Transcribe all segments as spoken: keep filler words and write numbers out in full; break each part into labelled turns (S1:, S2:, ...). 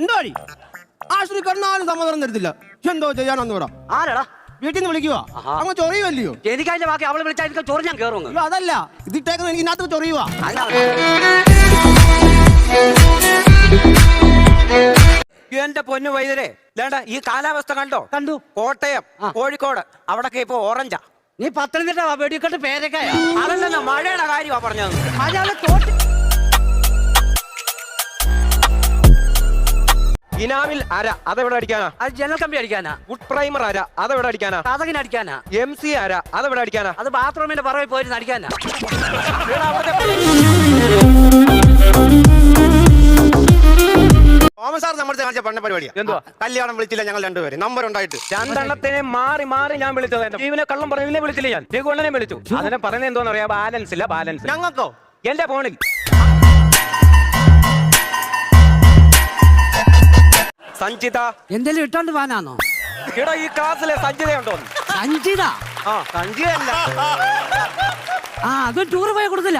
S1: എന്തോ ആശുപത്രി കിടന്നാലും സമാധാനം തരത്തില്ല. എന്തോ ചെയ്യാനൊന്നും ഇവിടെ
S2: ആരാടാ
S1: വീട്ടിൽ നിന്ന് വിളിക്കുക അങ്ങ് ചൊറിയുവല്ലയോ?
S2: എനിക്കതിന്റെ ബാക്കി അവളെ വിളിച്ചാൽ ചോറ് ഞാൻ കയറുന്നു.
S1: അതല്ല ഇതിട്ടേക്കുന്നത് എനിക്ക് ഇതിനകത്ത് ചൊറിയുവാ.
S3: എന്റെ പൊന്നു വൈദ്യരെ വേണ്ട ഈ കാലാവസ്ഥ കണ്ടോ?
S2: കണ്ടു.
S3: കോട്ടയം കോഴിക്കോട് അവിടൊക്കെ ഇപ്പൊ ഓറഞ്ചാ.
S2: നീ പത്തനംതിട്ട വെടിക്കെട്ട് പേരൊക്കെയാ.
S3: അതല്ല മഴയുടെ കാര്യമാ പറഞ്ഞത്.
S2: മഴയുടെ തോട്ട്
S3: ഇനാമിൽ അര അതെവിടെ അടിക്കാനാ?
S2: അത് ജനൽ കമ്പി അടിക്കാനാ.
S3: വുഡ് പ്രൈമർ അര അതെവിടെ അടിക്കാനാ?
S2: കഥകിന് അടിക്കാനാ.
S3: എം സി അര അതെവിടെ അടിക്കാനാ?
S2: അത് ബാത്റൂമിന്റെ പറവിൽ പോയിരുന്ന് അടിക്കാനാ.
S1: തോമസാർ നമ്മുടെ കാണിച്ച പണ്ട പരിപാടിയാ.
S3: എന്തുവാ?
S1: കല്യാണം വിളിച്ചില്ല ഞങ്ങൾ രണ്ടുപേരും നമ്പർ ഉണ്ടായിട്ട്
S3: രണ്ടെണ്ണത്തിനെ മാറി മാറി ഞാൻ വിളിച്ചത്. ജീവനെ കള്ളം പറഞ്ഞില്ലേ വിളിച്ചില്ല ഞാൻ. രഘുവണ്ണനെ വിളിച്ചു. അതിനെ പറയുന്നത് എന്തോന്ന് പറയാ? ബാലൻസ് ഇല്ല ബാലൻസ്.
S1: ഞങ്ങൾക്കോ
S3: എന്റെ ഫോണിൽ സഞ്ജിത
S2: എന്തെങ്കിലും ഇട്ടോണ്ട് പോകാനാണോ?
S3: ഇവിടെ ഈ ക്ലാസ്സിലെ സഞ്ജിതയുണ്ടോ?
S2: സഞ്ജിത?
S3: ആ സഞ്ജിതയല്ല.
S2: ആ അത് ടൂർ പോയി കൊടുത്തില്ല.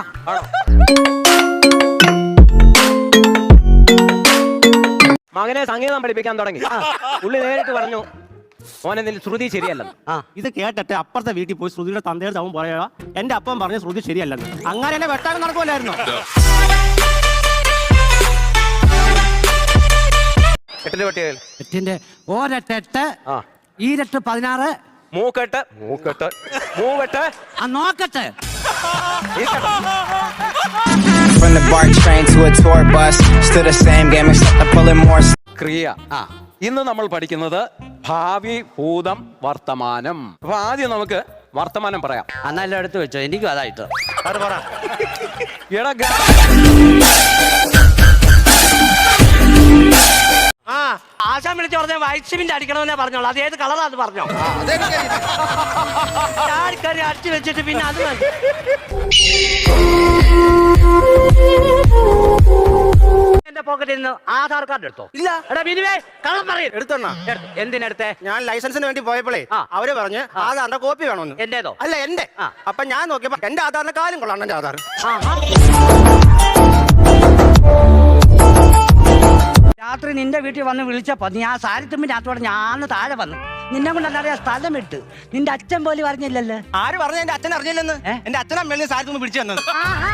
S3: മകനെ സംഗീതം പഠിപ്പിക്കാൻ തുടങ്ങി. പുള്ളി നേരിട്ട് പറഞ്ഞു മോനെ നിന്റെ ശ്രുതി ശരിയല്ലെന്ന്.
S1: ആ ഇത് കേട്ടിട്ട് അപ്പുറത്തെ വീട്ടിൽ പോയി ശ്രുതിയുടെ തന്തയുടെ അവൻ പറയാ എന്റെ അപ്പം പറഞ്ഞ ശ്രുതി ശരിയല്ലെന്ന്. അങ്ങനെ എന്നെ വെട്ടാൻ നടക്കുമല്ലായിരുന്നോ?
S3: എട്ടിന്റെ പട്ടികയിൽ
S2: എട്ടിന്റെ ഒരെട്ടെട്ട് ഈരട്ട് പതിനാറ്
S3: മൂക്കെട്ട് മൂക്കെട്ട് മൂവെട്ട്
S2: ആ നോക്കട്ടെ.
S4: From the BART train to a tour bus, still the same game except I'm pulling more.
S3: ക്രിയ. ആ ഇന്ന് നമ്മൾ പഠിക്കുന്നത് ഭാവി ഭൂതം വർത്തമാനം. അപ്പൊ ആദ്യം നമുക്ക് വർത്തമാനം പറയാം.
S2: അന്നെല്ലാം എടുത്തു വെച്ചോ, എനിക്കും അതായിട്ട്.
S3: എടാ
S2: ആ ആശാൻ വിളിച്ച് പറഞ്ഞ വൈറ്റ് സിമെന്റ് അടിക്കണമെന്നേ പറഞ്ഞോളൂ. അത് ഏത് കളറാ അത് പറഞ്ഞോ. ചാടിക്കറി അടിച്ചു വെച്ചിട്ട് പിന്നെ അത് എന്റെ പോക്കറ്റിൽ നിന്ന് ആധാർ കാർഡ് എടുത്തോ? ഇല്ല. എടാ മിനിമേ കള്ളം പറയും.
S1: എടുത്തോണ്ണ.
S2: എന്തിനെടുത്തേ?
S1: ഞാൻ ലൈസൻസിന് വേണ്ടി പോയപ്പോഴേ അവര് പറഞ്ഞ് ആധാറിന്റെ കോപ്പി വേണമെന്ന്.
S2: എന്റേതോ?
S1: അല്ല എന്റെ. അപ്പൊ ഞാൻ നോക്കിയപ്പോ എന്റെ ആധാറിന്റെ കാര്യം കൊള്ളാണ്. എന്റെ ആധാർ
S2: രാത്രി നിന്റെ വീട്ടിൽ വന്ന് വിളിച്ചപ്പോ നീ ആ സാരിത്തുമ്പിന്റെ അകത്തോടെ ഞാൻ താഴെ വന്നു. നിന്നെ കൊണ്ട് അറിയാൻ സ്ഥലം ഇട്ട് നിന്റെ അച്ഛൻ പോലും അറിഞ്ഞില്ലല്ലോ.
S1: ആര് പറഞ്ഞു എന്റെ അച്ഛൻ അറിഞ്ഞില്ലെന്ന്? എന്റെ അച്ഛനാ മേളിൽ സാരിത്തുമ്പ് പിടിച്ചു തന്നത്.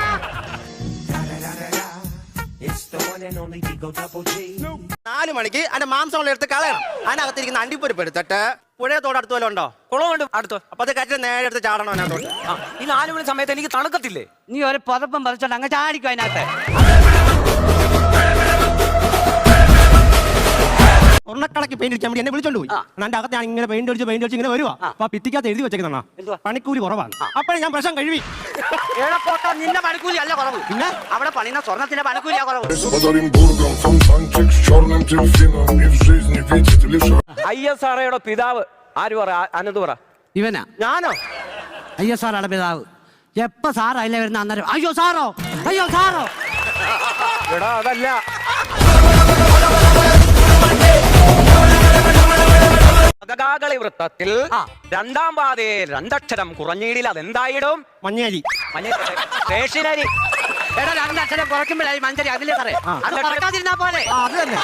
S1: നാലു മണിക്ക് അതിന്റെ മാംസം എടുത്ത് കളയണം. അതിനകത്തിരിക്കുന്ന അണ്ടിപ്പരിപ്പ് എടുത്തിട്ട് പുഴയത്തോട് അടുത്ത് വല്ലതും ഉണ്ടോ?
S3: കുളമുണ്ട് അടുത്ത്.
S1: അപ്പൊ അത് കറ്റിൽ നേരെ എടുത്ത് ചാടണം അതിനകത്തോട്ട്.
S3: ഈ നാലു മണി സമയത്ത് എനിക്ക് തണുക്കത്തില്ലേ?
S2: നീ ഒരു പുതപ്പം പറിച്ചോണ്ട് അങ്ങ് ചാടിക്കും അതിനകത്ത്.
S1: ഉരുളക്കടക്ക് പെയിന്റ് അടിക്കാൻ വേണ്ടി എന്നെ വിളിച്ചോണ്ട് പോയി. എന്റെ അകത്ത് ഞാൻ ഇങ്ങനെ പെയിന്റ് അടിച്ച് പെയിന്റ് അടിച്ച് ഇങ്ങനെ വരുവാ. അപ്പൊ ഭിത്തിക്കകത്ത് എഴുതി വെച്ചേക്കുന്ന പണിക്കൂലി കുറവാണ്. അപ്പോഴേ ഞാൻ പ്രശ്നം കഴിവി.
S2: നിന്റെ പണിക്കൂലി അല്ല കുറവ്, പിന്നെ അവിടെ പണിയുന്ന സ്വർണത്തിന്റെ പണിക്കൂലിയാ കുറവ്.
S3: ഐ എസ് ആർഒയുടെ പിതാവ് ആര് പറ? അനന്ത് പറ.
S2: ഇവനാ?
S1: ഞാനോ?
S2: ഐ എസ് ആറുടെ പിതാവ്. എപ്പ സാർ അതിലെ വരുന്ന അന്നേരം അയ്യോ സാറോ അയ്യോ സാറോ.
S3: എടാ അതല്ല. പതകാകളി വൃത്തത്തിൽ രണ്ടാം പാതയെ രണ്ടക്ഷരം കുറഞ്ഞീടിൽ അതെന്തായിടും?
S1: മഞ്ഞേരി.
S3: സ്റ്റേഷനരി.
S2: എടാ രണ്ടക്ഷരം കുറയ്ക്കുമ്പോഴായി മഞ്ചരി. അതിലെ സാറേ അത് കുറക്കാതിരുന്നാ പോലെ.
S1: അത് തന്നെ.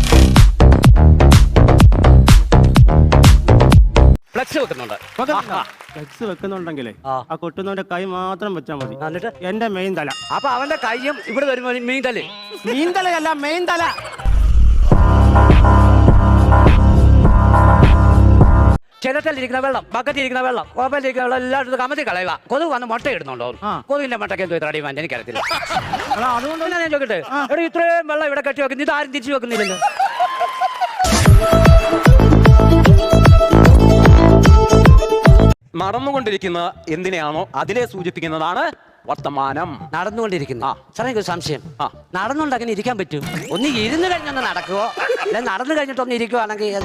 S3: ഫ്ലെക്സ് വെക്കുന്നുണ്ട്.
S1: ഫ്ലെക്സ് വെക്കുന്നുണ്ടെങ്കിലേ ആ കൊട്ടുന്നവന്റെ കൈ മാത്രം വെച്ചാൽ മതി.
S2: എന്നിട്ട്
S1: എന്റെ മെയിൻ തല.
S2: അപ്പൊ അവന്റെ കൈയും ഇവിടെ വരുമ്പോ മീൻ തലേ.
S1: മീൻ തലയല്ല മെയിൻ തല.
S2: ചിരട്ടലിരിക്കുന്ന വെള്ളം, ബക്കറ്റിരിക്കുന്ന വെള്ളം, കോപ്പലിരിക്കുന്ന വെള്ളം എല്ലായിടത്തും കമത്തി കളയുക. കൊതുക് വന്ന് മുട്ട ഇടുന്നുണ്ടോ? കൊതുകിന്റെ മുട്ടയ്ക്ക് എന്തോ ഇത്ര അടിയുവാൻ എനിക്കറിയത്തില്ല. അതുകൊണ്ട് തന്നെ ഞാൻ ചോദിക്കട്ടെ, ഇവിടെ ഇത്രയും വെള്ളം ഇവിടെ കെട്ടി വെക്കുന്നു, ഇതാരും തിരിച്ചു വെക്കുന്നില്ലല്ലോ.
S3: നടന്നുകൊണ്ടിരിക്കുന്ന എന്തിനെയാണോ അതിനെ സൂചിപ്പിക്കുന്നതാണ് വർത്തമാനം.
S2: നടന്നുകൊണ്ടിരിക്കുന്നു. സാറേ എനിക്ക് സംശയം, നടന്നുകൊണ്ട് അങ്ങനെ ഇരിക്കാൻ പറ്റും? ഒന്ന് ഇരുന്ന് കഴിഞ്ഞൊന്ന് നടക്കുവോ, അല്ലെ നടന്നു കഴിഞ്ഞിട്ടൊന്ന് ഇരിക്കുവാണെങ്കിൽ?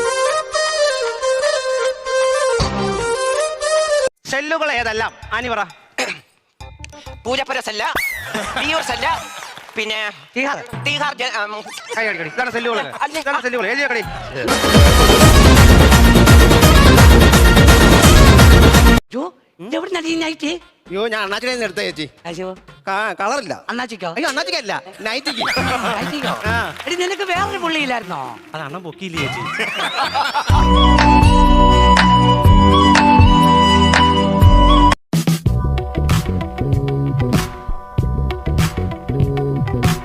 S1: സെല്ലുകൾ ഏതെല്ലാം ആനി പറ.
S3: പൂജപ്പുര സെല്ല, വിയൂർ സെല്ല, പിന്നെ
S1: ഇതാണ് സെല്ലുകൾ. സെല്ലുകൾ എഴുതിയക്കടി.
S2: എവിടെ നടിയായിട്ട്
S1: അയ്യോ ഞാൻ അണ്ണാച്ചിനെ എടുത്ത ചേച്ചി കളറില്ല
S2: അണ്ണാച്ചിക്കോ
S1: അയ്യോ അണ്ണാച്ചിക്കല്ല നൈറ്റിക്ക്
S2: അയച്ചിക്കോ?
S1: ആ.
S2: എടി നിനക്ക് വേറൊരു പുള്ളിയില്ലായിരുന്നോ?
S1: അത് അണ്ണൻ പൊക്കിയില്ലേ ചേച്ചി